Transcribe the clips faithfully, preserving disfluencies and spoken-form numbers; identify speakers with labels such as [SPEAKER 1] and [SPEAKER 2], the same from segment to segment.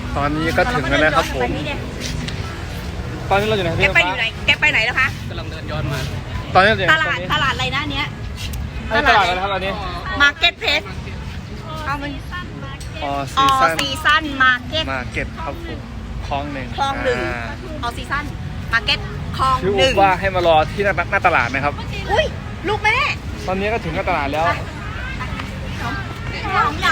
[SPEAKER 1] ตอนนี้ก็ถึงแล้วนะครับผมตอนนี้เราอยู่ไหน
[SPEAKER 2] แกไปอยู่ไหนแกไปไหนแล้วคะ
[SPEAKER 3] กำลังเดินย้อนมา
[SPEAKER 1] ตอนนี้เราอยู่
[SPEAKER 2] ต
[SPEAKER 1] ไหน
[SPEAKER 2] ลาดตลาดอะไรนะเนี้ย
[SPEAKER 1] ตลาดอะไรนะครับตอนนี้
[SPEAKER 2] มาร์เก็ตเพลสเอามัน
[SPEAKER 1] ออ
[SPEAKER 2] อ
[SPEAKER 1] ซี
[SPEAKER 2] อ
[SPEAKER 1] ซั่น
[SPEAKER 2] ซีซั่นมาร์เก็ต
[SPEAKER 1] มาเก็ตครับผมคลองหนึ่ง
[SPEAKER 2] คลองหนึ่ง
[SPEAKER 1] า
[SPEAKER 2] ออซีซั่นมาร์เก็ตคลอง
[SPEAKER 1] ชื่อ
[SPEAKER 2] ห
[SPEAKER 1] อุ๊
[SPEAKER 2] นึ่
[SPEAKER 1] บ
[SPEAKER 2] ง
[SPEAKER 1] ว่าให้มารอที่หน้าหน้าตลาดนะครับ
[SPEAKER 2] อุ้ยลูกแม่
[SPEAKER 1] ตอนนี้ก็ถึงหน้าตลาดแล้ว
[SPEAKER 2] น้องเหยา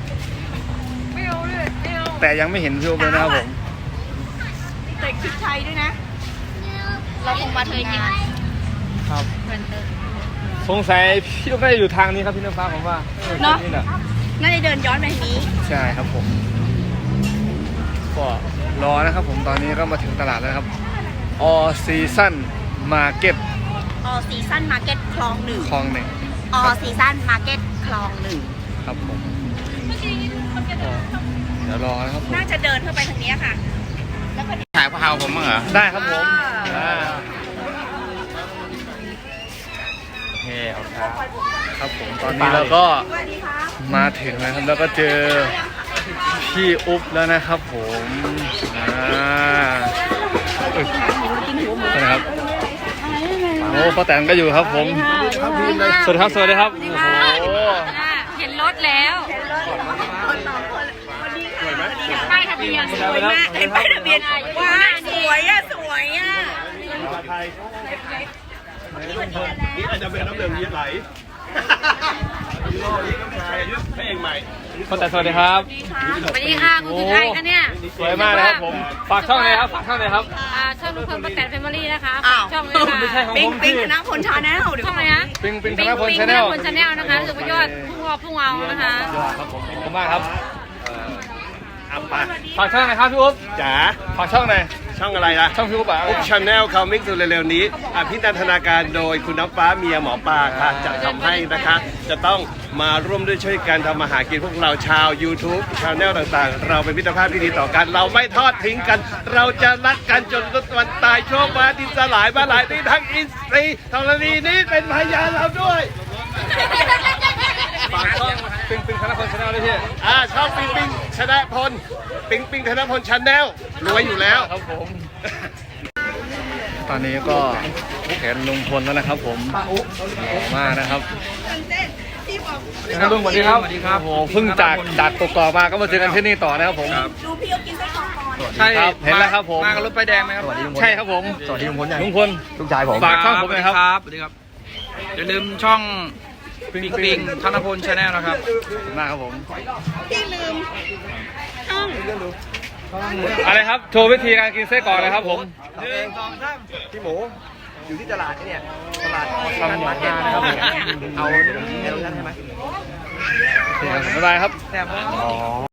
[SPEAKER 1] แต่ยังไม่เห็นพี่อุ๊บเลยนะครับผม
[SPEAKER 2] เด็กชุดไทยด้วยนะ เราคงมาเทยงาน
[SPEAKER 1] ครับสงสัยพี่อุ๊บน่าจะอยู่ทางนี้ครับพี่น้ำฟ้าผมว่านี่แหละ
[SPEAKER 2] น่าจะเดินย้อนไปทางนี้
[SPEAKER 1] ใช่ครับผมก็รอนะครับผมตอนนี้ก็มาถึงตลาดแล้วครับออซีซั่นมาเก็ต
[SPEAKER 2] ออซีซั่นมาร์เก็ตคลองหนึ่ง
[SPEAKER 1] คลองหนึ่ง
[SPEAKER 2] ออซีซั่นมาร์เก็ตคลองหนึ่ง
[SPEAKER 1] ครับผมก็เดี๋ยวรอนะครับผม
[SPEAKER 2] น่าจะเดินเข้าไปทางนี้ค่ะ แล้วก็
[SPEAKER 3] ถ่ายพวกเราผมมั้งเหรอ
[SPEAKER 1] ได้ครับผม
[SPEAKER 2] อ่า
[SPEAKER 1] อ่าโอเคเอาครับครับผมตอนนี้เราก็
[SPEAKER 2] สวัสดีครับ
[SPEAKER 1] มาถึงแล้วครับแล้วก็เจอพี่อุ๊บแล้วนะครับผมอ่าเอ้ยนะครับโอ้ป้าแตนก็อยู่ครับผมสวัสดีครับสวัสดีครับโอ้โห
[SPEAKER 4] เห็นรถแล้ว
[SPEAKER 2] คนสองคนสวัสดีค่ะสวัสดีค่ะ
[SPEAKER 4] ป้ายทะเบียน
[SPEAKER 2] สวยมากเห็นป้ายทะเบียนว้าสวยอ่ะสวยอ่ะ
[SPEAKER 5] นี่อาจจะเป็นน้ำเหลืองยี่ไหลยูโรนี่ก็ชายอายุพระเอกใหม่
[SPEAKER 1] ป้าแตนสวัสดีครับ
[SPEAKER 4] สวัสดีค่ะคุณคือใครคะเนี่ย
[SPEAKER 1] สวยมากเลยครับผมฝากช่องเลยครับฝากช่องเลยครับ
[SPEAKER 4] อ่าช่องลุงพลป้าแตนแฟมิลี่นะคะ
[SPEAKER 2] อ้าว
[SPEAKER 4] ช่องเลยค่ะ
[SPEAKER 1] ไม่ใช่ของ
[SPEAKER 2] ปิง
[SPEAKER 1] ผม
[SPEAKER 2] ปิง
[SPEAKER 1] พี่
[SPEAKER 2] คณะพลชาแนลเดี๋ยว
[SPEAKER 4] ช่องอะไรนะ
[SPEAKER 1] ปิงปิงธ
[SPEAKER 4] ปิง
[SPEAKER 1] นพล
[SPEAKER 4] ปิง
[SPEAKER 1] ชา
[SPEAKER 4] ธ
[SPEAKER 1] แน
[SPEAKER 4] น
[SPEAKER 1] ล
[SPEAKER 4] พลชาแนลนะคะรู้สึกว่ายอดพุ่งออกพุ่งเอานะคะ
[SPEAKER 1] ครับผมขอบคุณมากครับ
[SPEAKER 5] อัปปะ
[SPEAKER 1] ฝากช่องหน่อยครับพี่อุ๊บ
[SPEAKER 5] จ๋า
[SPEAKER 1] ฝากช่องหน่อย
[SPEAKER 5] ช่องอะไรล่ะ
[SPEAKER 1] ช่องพี่อุ๊บอ่ะ
[SPEAKER 5] อุ๊บชาแนลคามิกสุดเร็วๆนี้อภินันทนาการโดยคุณน้ำฟ้าเมียหมอปลาค่ะจะทำให้นะคะ จะต้องมาร่วมด้วยช่วยกันทำมาหากินพวกเราชาว YouTube ชาแนลต่างๆ เราเป็นมิตรภาพที่ดีต่อกัน เราไม่ทอดทิ้งกัน เราจะรักกันจนวันตายโชคมาดินสลายมาหลายที่ทั้งอินทรีย์ธรณีนี้เป็นพยานเราด้วย
[SPEAKER 1] ฝากช่องปิงปิงธนพลชาแนลด้วยพี่
[SPEAKER 5] อ่าชอบปิงปิงชนะพลปิงปิงธนพลชาแนลรวยอยู่แล้ว
[SPEAKER 1] ครับผม ตอนนี้ก็เห็นลุงพลแล้วนะครับผมหล่อมากนะครับลุงสวัสดีครับสวัสดีครับโอ้โหเพิ่งจากจากกกอกมาก็มาเจอกันที่นี่ต่อนะครับผม
[SPEAKER 2] ดูพี่เอากินไส้กรอกก่อน
[SPEAKER 1] ใช่ครับเห็นแล้วครับผม
[SPEAKER 3] มากับรถไฟแดงไหมครับ
[SPEAKER 1] ใช่ครับผม
[SPEAKER 3] สวัสดีลุงพล
[SPEAKER 1] ลุงพล
[SPEAKER 3] ลูกชายผม
[SPEAKER 1] ฝากช่องผมหน่อยครับ
[SPEAKER 3] สวัสดีครับอย่าลืมช่องปิงปิงธนพลชาแนลนะครับ
[SPEAKER 1] มากครับผม
[SPEAKER 2] พี่ลืมช่อง
[SPEAKER 1] อะไรครับโชว์วิธีการกินไส้กรอกเลยครับผม
[SPEAKER 5] พี่หมูอยู่ที่ตลาดเนี่ยตลาด
[SPEAKER 1] ทำหมูย่างนะครับผม
[SPEAKER 5] เอาในโรงงานใช่ไหม
[SPEAKER 1] บ๊ายบายครับ
[SPEAKER 3] แต่ว่า